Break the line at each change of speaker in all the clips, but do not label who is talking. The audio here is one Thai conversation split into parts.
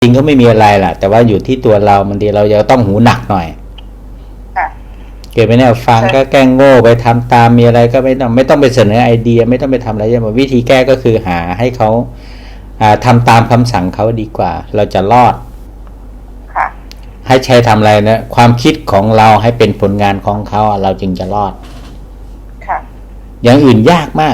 จริงก็ไม่มีอะไรแหละแต่ว่าอยู่ที่ตัวเราบางทีเราจะต้องหูหนักหน่อยเกิดไปเนี่ยฟังก็แกล้งโง่ไปทำตามมีอะไรก็ไม่ต้องไปเสนอไอเดียไม่ต้องไปทำอะไรอย่างวิธีแก้ก็คือหาให้เขาทำตามคำสั่งเขาดีกว่าเราจะรอดให้ใช้ทำอะไรนะความคิดของเราให้เป็นผลงานของเขาเราจึงจะรอดอย่างอื่นยากมาก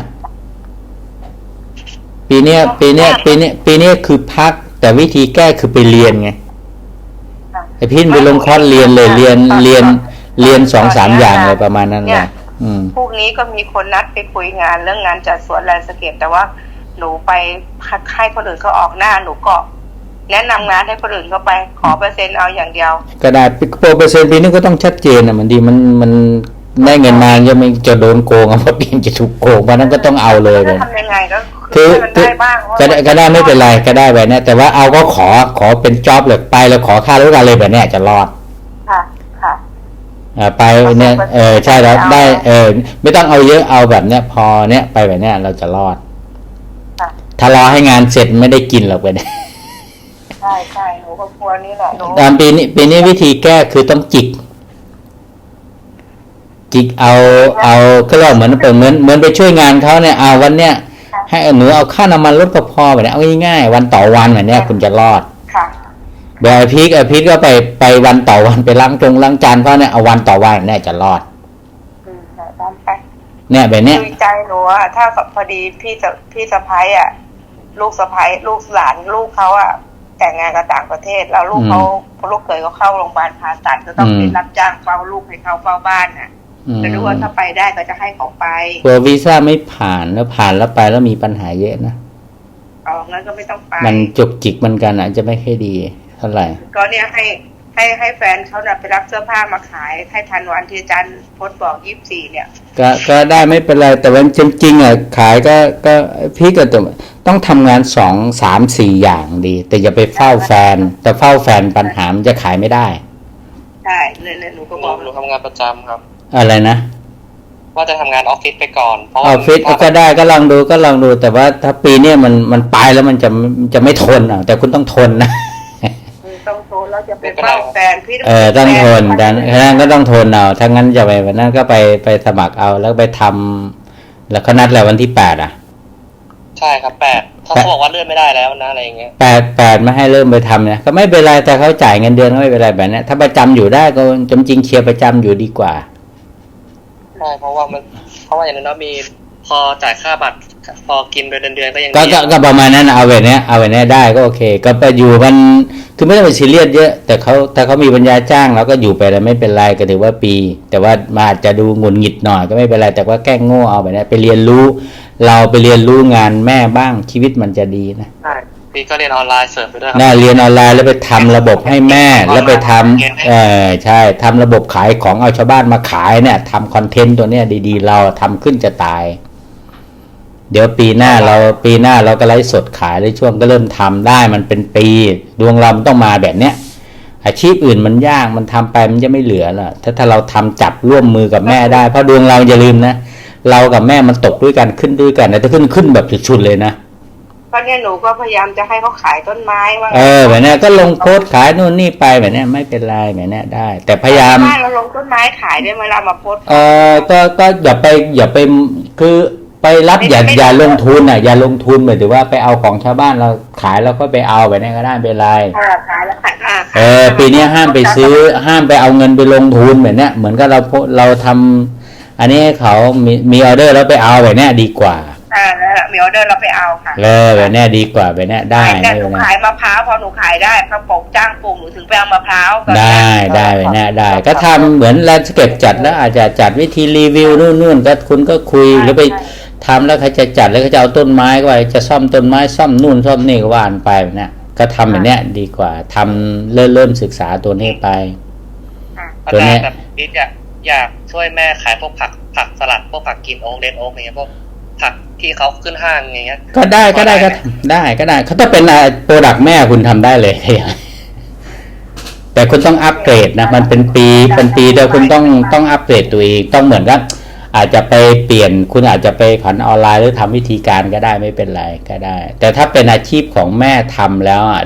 ปีนี้คือพักแต่วิธีแก้คือไปเรียนไงไอพี่ไปลงคอร์สเรียนเลยเรียน2-3อย่างเลยประมาณนั้นแหละ
พวกนี้ก็มีคนนัดไปคุยงานเรื่องงานจัดสวนแลนด์สเคปแต่ว่าหนูไปให้คนอื่นเขาออกหน้าหนูก็แนะนำงานให้คนอื่นเขาไปขอเปอร์เซ็นต์เอาอย่างเดียว
ก็ได้เปอร์เซ็นต์ปีนี้ก็ต้องชัดเจนนะมันดีมันได้เงินมาจะโดนโกงเพราะปีนจะถูกโกงเพราะนั้นก็ต้องเอาเลย
ทำยังไงก็
คือก็ได้ไม่เป็นไรก็ได้แบบนี้แต่ว่าเอาก็ขอเป็นจ็อบเลยไปแล้วขอค่ารู้กันเลยแบบนี้จะรอดไปเนี่ยใช่แล้วได้ไม่ต้องเอาเยอะเอาแบบเนี้ยพอเนี้ยไปแบบเนี้ยเราจะรอดถ้ารอให้งานเสร็จไม่ได้กินหรอกไปเนี่ย
ใช่หนูก็กลัวนี่แหละ
ตามปีนี้วิธีแก้คือต้องจิกเอาก็เรียกเหมือนไปช่วยงานเขาเนี่ยเอาวันเนี้ยให้หนูเอาค่าน้ำมันลดก็พอแบบนี้เอาง่ายๆวันต่อวันแบบนี้คุณจะรอดแบบพีกก็ไปวันต่อวันไปล้างจานเขาเนี่ยเอาวันต่อวันเนี่ยจะรอดเนี่ยแบบนี้
ใจหนูอะถ้าพอดีพี่สะพ้ายอะลูกสะพ้ายลูกหลานลูกเขาอะแต่งงานกับต่างประเทศแล้วลูกเขยเขาเข้าโรงพยาบาลผ่าตัดก็ต้องไปรับจ้างเฝ้าลูกให้เขาเฝ้าบ้านน่ะจะรู้ว่าถ้าไปได้ก็จะให้เขาไป
กลัววีซ่าไม่ผ่านแล้วไปแล้วมีปัญหาเยอะนะ
งั้นก็ไม่ต้องไป
มันจุกจิกมันกันจะไม่ค่อยดีเท่าไหร่
ก็เนี่ยให้แฟนเขาไปรับเสื้อผ้ามาขายให้ทันวันที่อาจารย์พจน์บอก24เนี่ย
ก็ได้ไม่เป็นไรแต่ว่าจริงๆอ่ะขายก็พี่ก็ต้องทำงาน2-3-4อย่างดีแต่อย่าไปเฝ้าแฟนแต่เฝ้าแฟนปัญหามันจะขายไม่ได้
ใช่เลยหนูก็บอก
หนูทำงานประจำครับ
อะไรนะ
ว่าจะทำงานออฟฟิศไปก่อน
ออฟฟิศก็ได้ก็ลองดูแต่ว่าถ้าปีนี้มันไปแล้วมันจะไม่ทนแต่คุณต้องทนนะ
ต้องทนแล้วจะเป็นเฝ้าแฟนพี่
ต้องทนดังนั้นก็ต้องทนเอาถ้างั้นจะไปวันนั้นก็ไปสมัครเอาแล้วไปทำแล้วเขานัดแล้ววันที่8
ใช่ครับ8เขาบอกว่าเลื่อนไม่ได้แล้วนะอะไรอย่างเงี้ย
8ไม่ให้เริ่มไปทำเนี่ยก็ไม่เป็นไรแต่เขาจ่ายเงินเดือนก็ไม่เป็นไรแบบนี้ถ้าประจำอยู่ได้ก็จริงเคลียร์ประจำอยู่ดีกว่า
ใช่เพราะว่าอย่างนั้นมีพอจ่ายค่าบัตรพอกินเดือนก็ยัง
ก็ประมาณนั้นเอาแบบนี้ได้ก็โอเคก็ไปอยู่มันคือไม่ต้องไปซีเรียสเยอะแต่เขามีปัญญาจ้างเราก็อยู่ไปแล้วไม่เป็นไรก็ถือว่าปีแต่ว่ามาอาจจะดูหงุดหงิดหน่อยก็ไม่เป็นไรแต่ว่าแกล้งโง่เอาแบบนี้ไปเรียนรู้เราไปเรียนรู้งานแม่บ้างชีวิตมันจะดีนะ
ใช่พี่ก็เรียนออนไลน์เสริมไปด้วย
เรียนออนไลน์แล้วไปทำระบบให้แม่แล้วไปทำใช่ทำระบบขายของเอาชาวบ้านมาขายเนี่ยทำคอนเทนต์ตัวเนี้ยดีๆเราทำขึ้นจะตายเดี๋ยวปีหน้าเราก็ไลฟ์สดขายในช่วงก็เริ่มทำได้มันเป็นปีดวงเราต้องมาแบบเนี้ยอาชีพอื่นมันยากมันทำไปมันจะไม่เหลือละถ้าเราทำจับร่วมมือกับแม่ได้เพราะดวงเราอย่าลืมนะเรากับแม่มันตกด้วยกันขึ้นด้วยกันแต่ถ้าขึ้นแบบสุดๆเลยนะ
ก็เนี่ยหนูก็พยายามจะให้เขาขายต้นไม้ว่า
แบบนี้ก็ลงโพสขายนู่นนี่ไปแบบนี้ไม่เป็นไรแบบนี้ได้แต่พยายาม
เราลงต้นไม้ขายได้เวลามาโพส
ก็อย่าไปคือไปรับอย่าลงทุนอย่าลงทุนหมายถึงว่าไปเอาของชาวบ้านเราขายแล้วก็ไปเอาแบบนี้ก็ได้เป็นไร
ขายแล้วขาย
ปีนี้ห้ามไปซื้อห้ามไปเอาเงินไปลงทุนแบบนี้เหมือนกับเราทำอันนี้เขามีออเดอร์แล้วไปเอาแบบนี้ดีกว่า
แล้วมีออเดอร์เราไปเอาค่ะ
แบบนี้ดีกว่าแบบนี้ได้
แต่หนูขายมะพร้าวพอหนูขายได้เขาปลูกจ้างปลูกหนูถึงไปเอามะพร้าว
ได้แบบนี้ได้ก็ทำเหมือนแลนด์สเคปจัดแล้วอาจจะจัดวิธีรีวิวนู่นก็คุณก็คุยหรือไปทำแล้วเขาจะจัดแล้วเขาจะเอาต้นไม้ก็ไปจะซ่อมต้นไม้ซ่อมนู่นซ่อมนี่ก็ว่านไปแบบนี้ก็ทำแบบนี้ดีกว่าทำเริ่มศึกษาตัวนี้ไป
ตัวนี้แบบอยากช่วยแม่ขายพวกผักสลัดพวกผักกินโอ๊กเลนโอ๊กอะไรเงี้ยพวกผักที่เขาขึ้นห้างอย่างเงี้ย
ก็ได้เขาถ้าเป็นโปรดักต์แม่คุณทำได้เลยแต่คุณต้องอัปเกรดนะมันเป็นปีเดียวคุณต้องอัปเกรดตัวเองต้องเหมือนกับอาจจะไปเปลี่ยนคุณอาจจะไปผันออนไลน์หรือทำวิธีการก็ได้ไม่เป็นไรก็ได้แต่ถ้าเป็นอาชีพของแม่ทำแล้วดี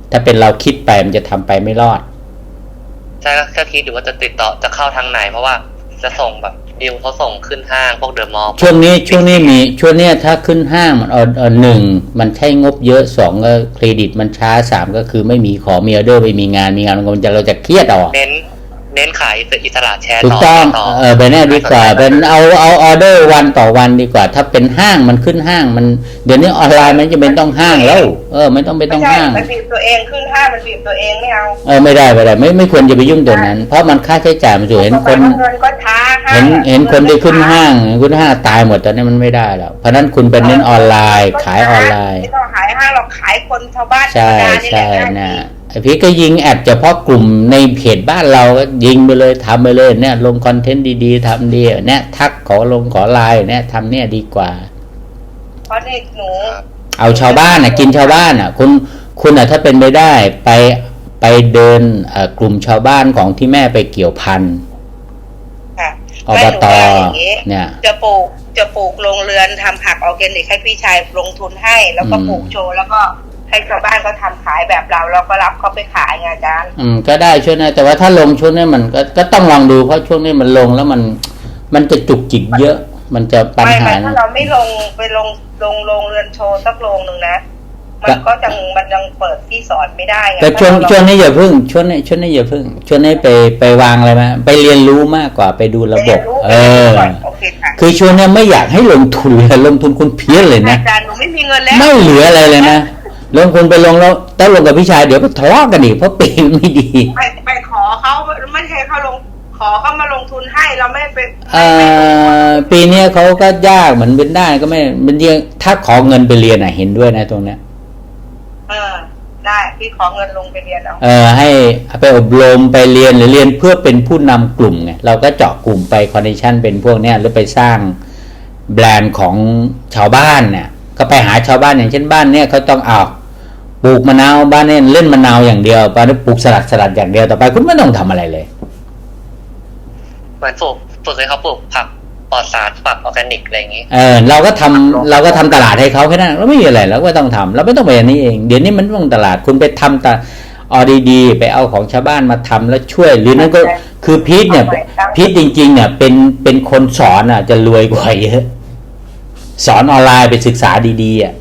ถ้าเป็นเราคิดไปมันจะทำไปไม่รอด
ใช่ก็คิดอยู่ว่าจะติดต่อจะเข้าทางไหนเพราะว่าจะส่งแบบดิวเขาส่งขึ้นห้างพวกเดอะมอลล์
ช่วงนี้ถ้าขึ้นห้างมันหนึ่งมันใช้งบเยอะสองก็เครดิตมันช้าสามก็คือไม่มีของมีออเดอร์ไม่มีงานเราจะเครียดออก
เน้นขายอิสระแชร์
ถูกต้องไปแน่ดีกว่าเป็นเอาออเดอร์วันต่อวันดีกว่าถ้าเป็นห้างมันขึ้นห้างมันเดี๋ยวนี้ออนไลน์มันจะเป็นต้องห้างแล้วไม่ต้องห้าง
มันบีบตัวเองขึ้นห้างมันบีบตัวเองไม่เอา
ไม่ได้ไม่ควรจะไปยุ่งตัวนั้นเพราะมันค่าใช้จ่ายมันสูงเห็นคนเห็นคนที่ขึ้นห้างตายหมดตอนนี้มันไม่ได้แล้วเพราะนั้นคุณเป็นเน้นออนไลน์ขายออนไลน์
ไม่ต้องขายห้างเราขายคนชาวบ้าน
ใช่นะไอพี่ก็ยิงแอดเฉพาะกลุ่มในเพจบ้านเราก็ยิงไปเลยทำไปเลยเนี่ยลงคอนเทนต์ดีๆทำดีเนี่ยทักขอไลน์เนี่ยทำเนี่ยดีกว่า
เพราะเด็กหนู
เอาชาวบ้านกินชาวบ้านคุณถ้าเป็นไปได้ไปเดินกลุ่มชาวบ้านของที่แม่ไปเกี่ยวพันอบต
เนี่ยจะปลูกโรงเรือนทำผักออร์แกนิกให้พี่ชายลงทุนให้แล้วก็ปลูกโชว์แล้วก็ให้ชาวบ้านก็ทำขายแบบเราก็รับเขาไปขายไงอาจารย์
ก็ได้ช่วงนี้แต่ว่าถ้าลงช่วงนี้มันก็ต้องลองดูเพราะช่วงนี้มันลงแล้วมันจะจุกจิกเยอะมันจะปัญหา
ถ้าเราไม่ไปลงเรือนโชว์สักโรงนึงนะมันยังเปิดที่สอนไม่ได้ไง
แต่ช่วงนี้อย่าพึ่งช่วงนี้อย่าพึ่งช่วงนี้ไปวางอะไรมาไปเรียนรู้มากกว่าไปดูระบบคือช่วงนี้ไม่อยากให้ลงทุนเลยลงทุนคุณเพี้ยนเลยนะ
อาจารย์หนูไม่มีเงินแล้ว
ไม่เหลืออะไรเลยนะลงทุนไปลงแล้วถ้าลงกับพี่ชายเดี๋ยวก็ทะเลาะกันอีกเพราะปีไม่ดี
ไปขอเขาไม่ใช่เขาขอเขามาลงทุนให้เราไม่ไป
ปีนี้เขาก็ยากเหมือนเป็นได้ก็ไม่เป็นเรียนถ้าขอเงินไปเรียนเห็นด้วยนะตรงเนี้ย
ได้พี่ขอเงินลงไปเรียน
ให้ไปอบรมไปเรียนหรือเรียนเพื่อเป็นผู้นำกลุ่มไงเราก็เจาะกลุ่มไปคอนเนคชั่นเป็นพวกเนี้ยหรือไปสร้างแบรนด์ของชาวบ้านเนี่ยก็ไปหาชาวบ้านอย่างเช่นบ้านเนี่ยเขาต้องปลูกมะนาวบ้านเนี่ยเล่นมะนาวอย่างเดียวบ้านนี้ปลูกสลัดอย่างเดียวต่อไปคุณไม่ต้องทำอะไรเลย
เหมือนฝึกให้เขาปลูกผักปลอดสารผักออร์แกนิกอะไรอย่างนี้
เราก็ทำตลาดให้เขาแค่นั้นเราไม่มีอะไรเราก็ต้องทำเราไม่ต้องไปอันนี้เองเดี๋ยวนี้มันต้องตลาดคุณไปทำดีๆไปเอาของชาวบ้านมาทำแล้วช่วยหรือนั่นก็คือพีทเนี่ยพีทจริงๆเนี่ยเป็นคนสอนจะรวยกว่าเยอะสอนออนไลน์ไปศึกษาดีๆ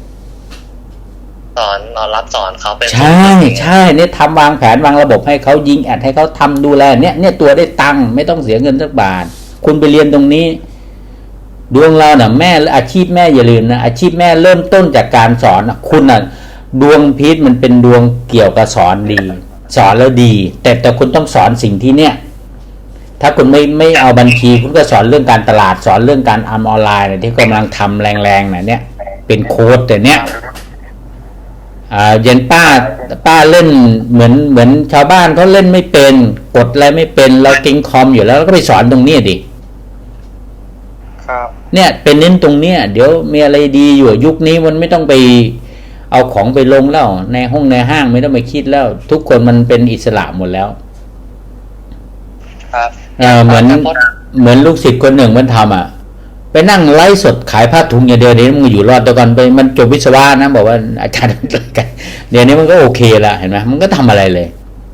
รับสอนเขาเป็น
ใช่เนี่ยทำวางแผนวางระบบให้เขายิงแอดให้เขาทำดูแลเนี่ยตัวได้ตังค์ไม่ต้องเสียเงินสักบาทคุณไปเรียนตรงนี้ดวงเราแม่อาชีพแม่อย่าลืมนะอาชีพแม่เริ่มต้นจากการสอนคุณดวงพีทมันเป็นดวงเกี่ยวกับสอนดีสอนแล้วดีแต่คุณต้องสอนสิ่งที่เนี่ยถ้าคุณไม่เอาบัญชีคุณก็สอนเรื่องการตลาดสอนเรื่องการออนไลน์ที่กำลังทำแรงๆเนี่ยเป็นโค้ดแต่เนี้ยเย็นป้าเล่นเหมือนชาวบ้านเขาเล่นไม่เป็นกดอะไรไม่เป็นเราเก่งคอมอยู่แล้วก็ไปสอนตรงนี้ดิ
ครับ
เนี่ยเป็นเน้นตรงเนี้ยเดี๋ยวมีอะไรดีอยู่ยุคนี้มันไม่ต้องไปเอาของไปลงแล้วในห้างไม่ต้องไปคิดแล้วทุกคนมันเป็นอิสระหมดแล้ว
ครับ
เหมือนลูกศิษย์คนหนึ่งมันทำไปนั่งไลฟ์สดขายผ้าถุงอย่างเดียวนี้มันอยู่รอดแต่ก่อนไปมันจบวิศวะนะบอกว่าอาจารย์เดี๋ยวนี้มันก็โอเคละเห็นไหมมันก็ทำอะไรเลย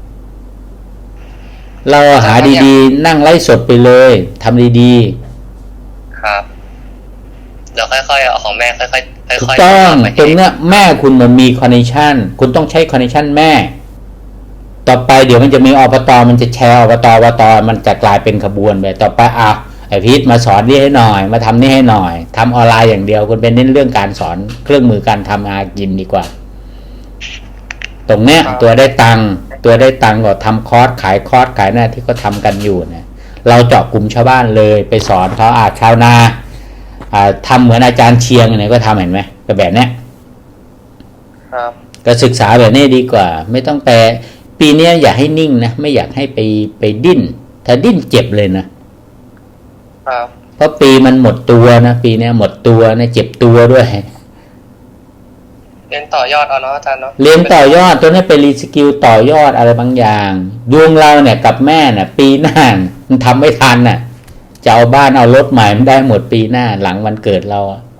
เราหาดีๆนั่งไลฟ์สดไปเลยทำดี
ๆครับเดี๋ยวค่อยๆเอาของแม่ค่อย
ๆต้องตรงเนี้ยแม่คุณมันมีคอนเนคชั่นคุณต้องใช้คอนเนคชั่นแม่ต่อไปเดี๋ยวมันจะมีอบตมันจะแชร์อบตมันจะกลายเป็นขบวนไปต่อไปไอพีทมาสอนนี่ให้หน่อยมาทำนี่ให้หน่อยทำออนไลน์อย่างเดียวคุณเป็นเน้นเรื่องการสอนเครื่องมือการทำอากินดีกว่าตรงเนี้ยตัวได้ตังค์ก็ทำคอร์สขายหน้าที่เขาทำกันอยู่เนี่ยเราเจาะกลุ่มชาวบ้านเลยไปสอนเขาชาวนาทำเหมือนอาจารย์เชียงเนี่ยก็ทำเห็นไหมแบบเนี้ย
ครับ
ก็ศึกษาแบบนี้ดีกว่าไม่ต้องแปลปีนี้อย่าให้นิ่งนะไม่อยากให้ไปดิ้นถ้าดิ้นเจ็บเลยนะครับเพราะปีมันหมดตัวนะปีนี้หมดตัวนะเจ็บตัวด้วย
เรียนต่อยอดเอาเนาะอาจารย์เนาะ
เรียนต่อยอดตัวนี้เป็นรีสกิลต่อยอดอะไรบางอย่างดวงเราเนี่ยกับแม่เนี่ยปีหน้ามันทำไม่ทันน่ะจะเอาบ้านเอารถใหม่มันได้หมดปีหน้าหลังวันเกิดเรา